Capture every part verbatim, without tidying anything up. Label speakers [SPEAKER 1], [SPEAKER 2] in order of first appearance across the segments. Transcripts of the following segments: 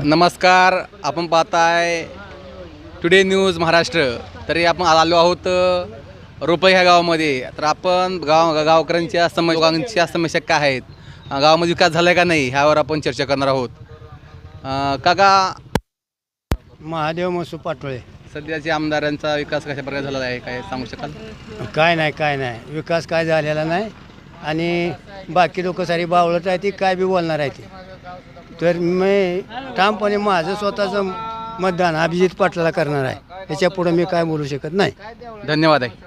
[SPEAKER 1] नमस्कार, आपण पाहताय टुडे न्यूज महाराष्ट्र. तरी आपण आलो आहोत रोपई ह्या गावामध्ये. तर आपण गाव गावकऱ्यांच्या सम लोकांच्या समस्या काय आहेत, गावामध्ये विकास झाला आहे का नाही, ह्यावर आपण चर्चा करणार आहोत. काका,
[SPEAKER 2] महादेव मसू पाटोळे.
[SPEAKER 1] सध्याच्या आमदारांचा विकास कशा प्रकारे झालेला आहे, काय सांगू शकाल?
[SPEAKER 2] काय नाही काय नाही विकास काय झालेला नाही. आणि बाकी लोक सारी बावळत आहे ती काय बी बोलणार आहे ती. तर मी ठामपणे माझं स्वतःचं मतदान अभिजित पाटलाला करणार आहे. याच्या पुढे मी काय बोलू शकत नाही.
[SPEAKER 1] धन्यवाद आहे.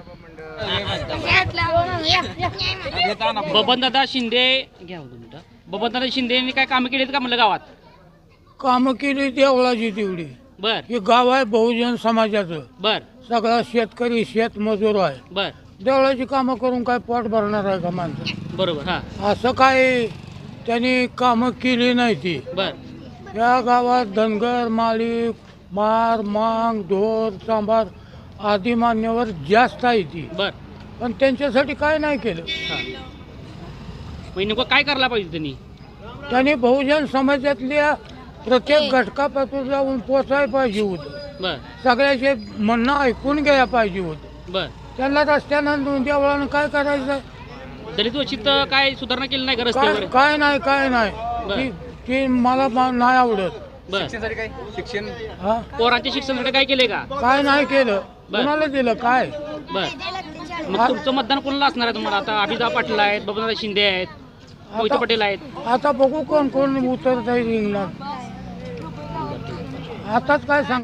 [SPEAKER 3] बबनदादा शिंदे घ्या बबनदादा शिंदेनी काय कामं केलीत का म्हणलं गावात?
[SPEAKER 4] कामं केली देवळाची तेवढी.
[SPEAKER 3] बर
[SPEAKER 4] हे गाव आहे बहुजन समाजाचं.
[SPEAKER 3] बर
[SPEAKER 4] सगळा शेतकरी शेतमजूर आहे.
[SPEAKER 3] बर
[SPEAKER 4] देवळाची कामं करून काय पोट भरणार आहे का माणसं?
[SPEAKER 3] बरोबर. हा
[SPEAKER 4] असं काय त्यांनी कामं केली नाही ती.
[SPEAKER 3] बर
[SPEAKER 4] या गावात धनगर माळी मार मांग ढोर सांबार आदी मान्यवर जास्त आहे ती.
[SPEAKER 3] बर
[SPEAKER 4] पण त्यांच्यासाठी काय नाही केलं.
[SPEAKER 3] मग नेमकं काय करायला पाहिजे त्यांनी?
[SPEAKER 4] त्यांनी बहुजन समाजातल्या प्रत्येक घटकापासून जाऊन पोचायला पाहिजे होतं.
[SPEAKER 3] बर
[SPEAKER 4] सगळ्याचे म्हणणं ऐकून घ्यायला पाहिजे होतं.
[SPEAKER 3] बर
[SPEAKER 4] त्यांना रस्त्यानं देवळानं काय करायचं?
[SPEAKER 3] दलित वंचित काय सुधारणा केली नाही का
[SPEAKER 4] काय
[SPEAKER 3] रस्त्यावर?
[SPEAKER 4] काय नाही काय नाही ती- ती मला मा- नाही आवडत.
[SPEAKER 3] बर
[SPEAKER 1] शिक्षणासाठी काय शिक्षण
[SPEAKER 4] हा
[SPEAKER 3] पोरांच्या शिक्षणासाठी काय केले का?
[SPEAKER 4] काय नाही केलं. कोणाला दिलं काय?
[SPEAKER 3] बर मग तुमचं मतदान कोणाला असणार आहे तुम्हाला? आता अभिदाभ पाटील आहेत, बबनदादा शिंदे आहेत, मोहिते
[SPEAKER 4] आता-
[SPEAKER 3] पटेल आहेत.
[SPEAKER 4] आता बघू कोण कोण उतरत आहे रिंगणात. आताच काय सांग